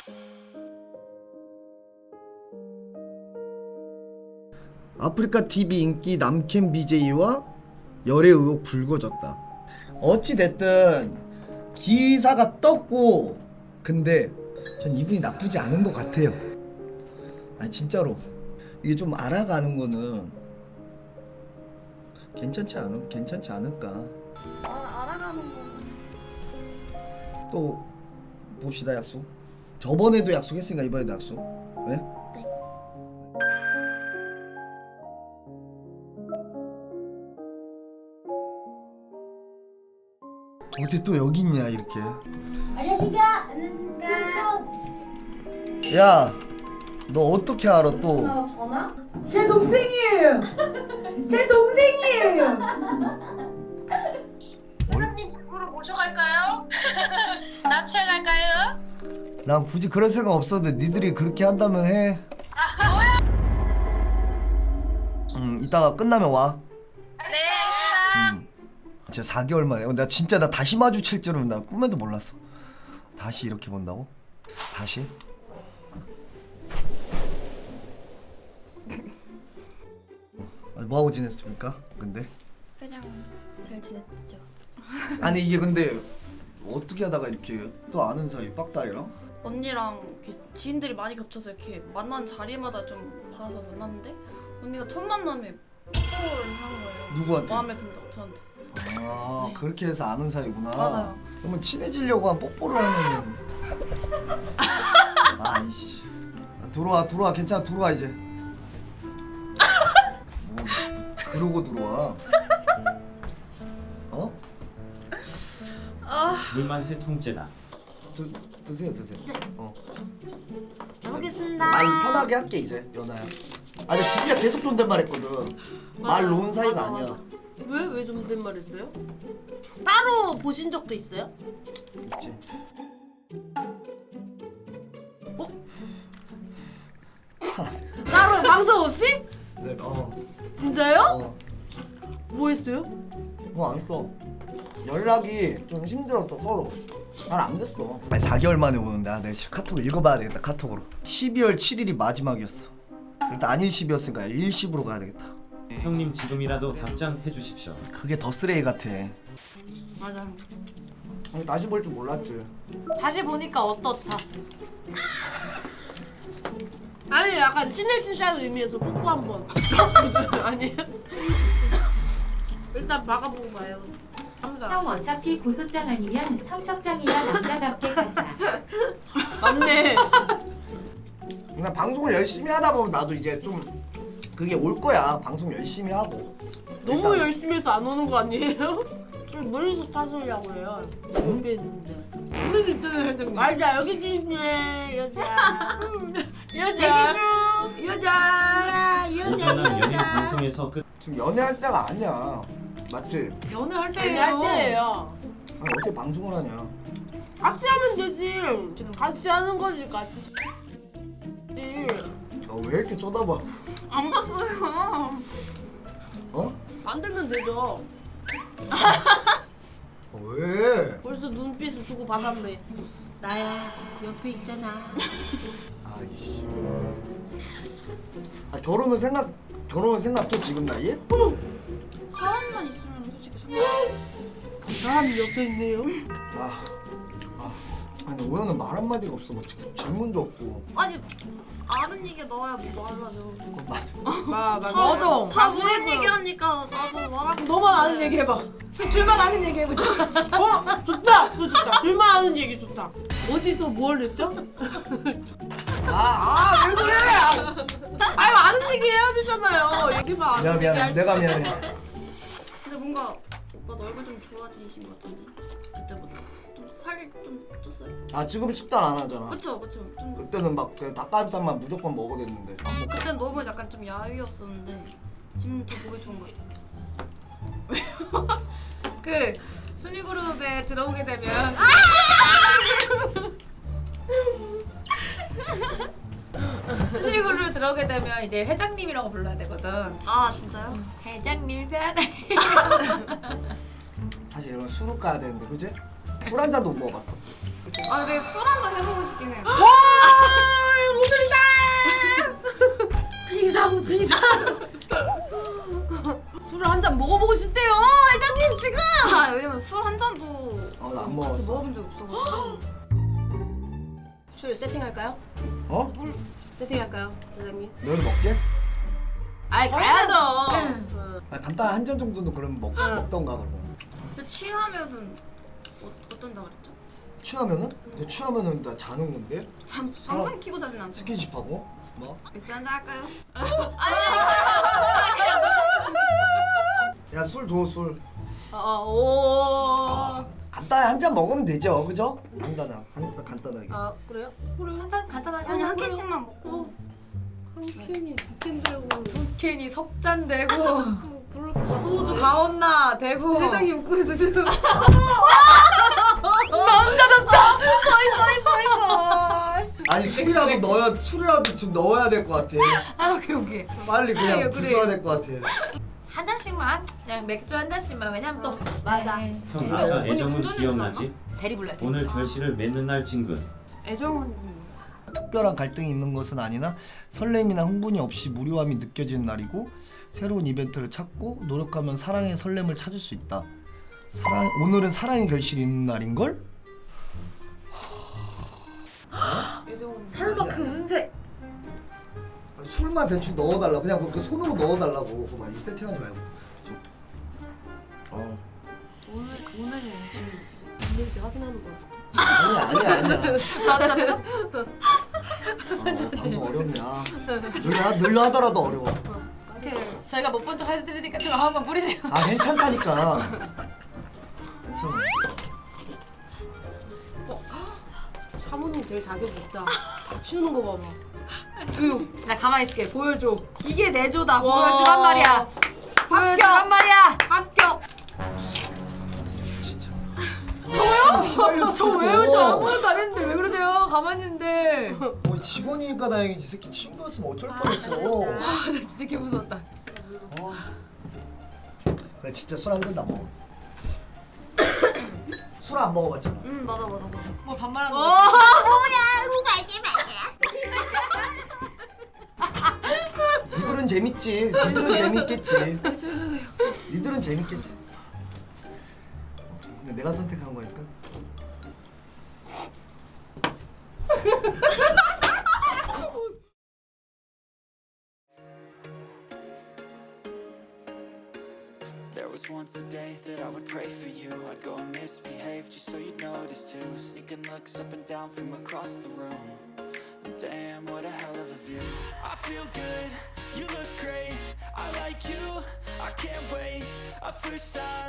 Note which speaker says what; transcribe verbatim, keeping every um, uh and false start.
Speaker 1: 아프리카 티비 인기 남캠 비제이와 열애 의혹 불거졌다. 어찌 됐든 기사가 떴고, 근데 전 이분이 나쁘지 않은 것 같아요. 아니 진짜로 이게 좀 알아가는 거는 괜찮지 않을 괜찮지 않을까.
Speaker 2: 아, 알아가는 거는
Speaker 1: 또 봅시다. 약속. 저번에도 약속했으니까 이번에도 약속. 네?
Speaker 2: 네.
Speaker 1: 어디 또 여기 있냐 이렇게.
Speaker 2: 안녕하십니까. 뚱뚱.
Speaker 1: 야, 너 어떻게 알아 또?
Speaker 2: 전화?
Speaker 3: 제 동생이에요. 제 동생이에요.
Speaker 4: 사장님 집으로 모셔갈까요? 납치해갈까요?
Speaker 1: 난 굳이 그럴 생각 없었는데 니들이 그렇게 한다면 해. 음, 이따가 끝나면 와.
Speaker 4: 네.
Speaker 1: 음. 진짜 사 개월 만에. 어, 나 진짜 나 다시 마주칠 줄은 나 꿈에도 몰랐어. 다시 이렇게 본다고? 다시? 아, 뭐하고 지냈습니까? 근데?
Speaker 2: 그냥 잘 지냈죠.
Speaker 1: 아니 이게 근데 어떻게 하다가 이렇게 또 아는 사이 빡다이랑?
Speaker 2: 언니랑 이렇게 지인들이 많이 겹쳐서 이렇게 만난 자리마다 좀 봐서 만났는데 언니가 첫 만남에 뽀뽀를 하는 거예요.
Speaker 1: 누구한테?
Speaker 2: 마음에 든다고 저한테.
Speaker 1: 아
Speaker 2: 네.
Speaker 1: 그렇게 해서 아는 사이구나.
Speaker 2: 맞아요.
Speaker 1: 그러면 친해지려고 한 뽀뽀를 하는. 아이씨. 아, 들어와 들어와 괜찮아 들어와 이제. 뭐, 뭐 그러고 들어와. 어?
Speaker 5: 물만 세 통째다.
Speaker 1: 드, 드세요 드세요.
Speaker 2: 네.
Speaker 1: 어.
Speaker 2: 잘 먹겠습니다.
Speaker 1: 말 편하게 할게 이제 연아야. 아 근데 진짜 계속 존댓말했거든. 말 놓은 사이가
Speaker 2: 맞아,
Speaker 1: 아니야.
Speaker 2: 맞아.
Speaker 3: 왜? 왜 존댓말 했어요? 따로 보신 적도 있어요?
Speaker 1: 있지.
Speaker 3: 따로 방송 없이?
Speaker 1: 네. 어.
Speaker 3: 진짜요?
Speaker 1: 어.
Speaker 3: 뭐 했어요?
Speaker 1: 뭐 안 했어. 연락이 좀 힘들었어 서로. 잘 안 됐어. 아니 사 개월 만에 오는데 아, 내가 카톡 읽어봐야 되겠다 카톡으로. 십이월 칠일이 마지막이었어. 일단 안일십이었으니까 일십으로 가야 되겠다.
Speaker 5: 형님 지금이라도 답장해 주십시오.
Speaker 1: 그게 더 쓰레기 같아.
Speaker 3: 맞아.
Speaker 1: 아니, 다시 볼 줄 몰랐지.
Speaker 3: 다시 보니까 어떻다? 아니 약간 친해지자는 의미에서 뽀뽀 한번. 아니에요? 일단 박아보고 봐요.
Speaker 6: 형 어차피 고소장 아니면 청첩장이나 남자답게 가자.
Speaker 3: 맞네.
Speaker 1: 그냥 방송을 열심히 하다 보면 나도 이제 좀 그게 올 거야. 방송 열심히 하고.
Speaker 3: 너무
Speaker 1: 일단-
Speaker 3: 열심히 해서 안 오는 거 아니에요? 좀 멀리서 타주려고 해요. 옆에 있는데. 우리 집들은 회장님. 맞아 여기 집이네 여자. 여자. 여자.
Speaker 5: 오전은 연인 방송에서 끝.
Speaker 1: 지금 연애할 때가 아니야. 맞지?
Speaker 3: 연애할 때예요. 연애할 때예요.
Speaker 1: 아니 어떻게 방송을 하냐.
Speaker 3: 같이 하면 되지. 같이 하는 거지 같이.
Speaker 1: 아, 왜 이렇게 쳐다봐?
Speaker 2: 안 봤어요.
Speaker 1: 어?
Speaker 3: 만들면 되죠.
Speaker 1: 아, 왜?
Speaker 3: 벌써 눈빛을 주고 받았네. 나야 옆에 있잖아.
Speaker 1: 아이씨. 아 결혼은 생각 결혼은 생각해 지금 나이에?
Speaker 2: 사람만 있으면 솔직히 상관.
Speaker 3: 그 사람이 옆에 있네요.
Speaker 1: 아, 아, 아니 오연은 말 한마디가 없어. 뭐 지- 질문도 없고.
Speaker 2: 아니 아는 얘기 넣어야 뭐 말하죠.
Speaker 1: 그건 맞아.
Speaker 3: 마, 마,
Speaker 2: 다,
Speaker 3: 맞아.
Speaker 2: 다 모르는 얘기하니까 나도 말하고.
Speaker 3: 너만 아는 얘기 해봐. 둘만 아는 얘기 해보자. 어? 좋다. 그거 좋다. 둘만 아는 얘기 좋다. 어디서 뭘 했죠?
Speaker 1: 아, 아, 왜 그래?
Speaker 3: 아유 아는 얘기 해야 되잖아요. 얘기만 아는
Speaker 1: 미안
Speaker 3: 얘기
Speaker 1: 미안.
Speaker 3: 할
Speaker 1: 내가
Speaker 3: 때.
Speaker 1: 미안해.
Speaker 2: 근데 뭔가 오빠도 얼굴 좀 좋아지신 것 같은데 그때보다 좀 살이 좀 쪘어요?
Speaker 1: 아 지금 식단 안 하잖아.
Speaker 2: 그쵸 그쵸 좀
Speaker 1: 그때는 막 그 닭가슴살만 무조건 먹어야 됐는데. 안 먹고.
Speaker 2: 그땐 너무 약간 좀 야위였었는데 지금 더 보기 좋은 것 같아요.
Speaker 7: 그 순위 그룹에 들어오게 되면 순위 그룹에 들어오게 되면 이제 회장님이라고 불러야 되거든.
Speaker 2: 아 진짜요?
Speaker 7: 회장님 사랑해.
Speaker 1: 사실 이런 술을 까야 되는데 그지? 술 한 잔도 못 먹어봤어.
Speaker 2: 아 근데 술 한잔 해보고 싶긴 해요.
Speaker 3: 와 없어가지고. 술 세팅할까요?
Speaker 1: 어?
Speaker 3: 세팅할까요, 사장님?
Speaker 1: 너는 먹게?
Speaker 3: 아이 가야죠. 어.
Speaker 1: 아, 간단 한 잔 정도는 그럼 먹,
Speaker 3: 응.
Speaker 1: 먹던가 그러면.
Speaker 2: 근데 취하면은 어, 어떤다 그랬죠?
Speaker 1: 취하면은? 근데 취하면은 나 자는 건데?
Speaker 2: 잠 방송 키고 자진 않죠?
Speaker 1: 스킨십하고? 뭐?
Speaker 2: 맥주 한잔 할까요?
Speaker 1: 야 술 줘 술.
Speaker 3: 아, 오.
Speaker 1: 간단히 한 잔 먹으면 되죠, 그죠? 간단하, 간, 간단하게.
Speaker 3: 아 그래요?
Speaker 7: 그래 한잔 간단하게
Speaker 2: 아니 한
Speaker 7: 하자고요.
Speaker 2: 캔씩만 먹고
Speaker 3: 한 캔이 두 캔 들고.
Speaker 7: 두 캔이 석잔 되고
Speaker 3: 뭐 그럴 거.
Speaker 7: 소주 가온나 되고
Speaker 3: 회장님 웃고 있는데 지금.
Speaker 7: 남자답다.
Speaker 1: 아니 술이라도 넣어야 술이라도 지금 넣어야 될 것 같아.
Speaker 7: 아 오케이 오케이.
Speaker 1: 빨리 그냥
Speaker 7: 그래요,
Speaker 1: 부숴야
Speaker 7: 그래요.
Speaker 1: 될 것 같아.
Speaker 7: 한 잔씩만 그냥 맥주 한 잔씩만 왜냐면 또 맞아.
Speaker 5: 형
Speaker 2: 근데
Speaker 5: 아까
Speaker 2: 언니
Speaker 5: 애정은
Speaker 2: 운전해도
Speaker 5: 기억나지?
Speaker 7: 대리 불러야 돼.
Speaker 5: 오늘 결실을 맺는 날 진근.
Speaker 2: 애정은
Speaker 1: 특별한 갈등이 있는 것은 아니나 설렘이나 흥분이 없이 무료함이 느껴지는 날이고 새로운 이벤트를 찾고 노력하면 사랑의 설렘을 찾을 수 있다. 사랑 오늘은 사랑의 결실이 있는 날인 걸?
Speaker 2: 애정은
Speaker 7: 설마 그 운세.
Speaker 1: 술만 대충 넣어달라. 그냥 그, 그 손으로 넣어달라고. 그거 이 세팅하지 말고. 어.
Speaker 2: 오늘 오늘은 지금
Speaker 3: 냄새 확인하는 거 같아.
Speaker 1: 아니야 아니야 아니야.
Speaker 7: 맞아 맞아.
Speaker 1: 어, 방송 어렵네. 아. 늘려 늘려 하더라도 어려워.
Speaker 7: 그 저희가 못 본 척 해드리니까 좀 한번 뿌리세요.
Speaker 1: 아 괜찮다니까. 괜찮아.
Speaker 3: 사모님 될 자격이 있다. 다 치우는 거 봐봐.
Speaker 7: 나 가만히 있을게. 보여줘. 이게 내 조다.
Speaker 3: 와.
Speaker 7: 보여주란 말이야. 보여주란 말이야.
Speaker 3: 합격.
Speaker 1: 진짜.
Speaker 7: 저요? 저 왜요? 저 아무것도 안 했는데 왜 그러세요? 가만히 있는데.
Speaker 1: 뭐 직원이니까 다행이지. 이 새끼 친구였으면 어쩔 뻔했어.
Speaker 7: 아, 나 진짜 개 무서웠다.
Speaker 1: 어. 나 진짜 술 한 잔도 안 먹어. 술 안 먹어봤잖아.
Speaker 2: 음 맞아 맞아 맞아
Speaker 7: 뭘 반말하는
Speaker 3: 어.
Speaker 7: 거야?
Speaker 1: 니들은 재밌지. 니들은 재밌겠지.
Speaker 2: 술 주세요
Speaker 1: 니들은 재밌겠지. 그냥 내가 선택한 거니까.
Speaker 8: There was once a day that I would pray for you. I'd go and misbehave just so you'd notice too. Sneaking looks up and down from across the room. Damn, what a hell of a view. I feel good, you look great. I like you, I can't wait. A first time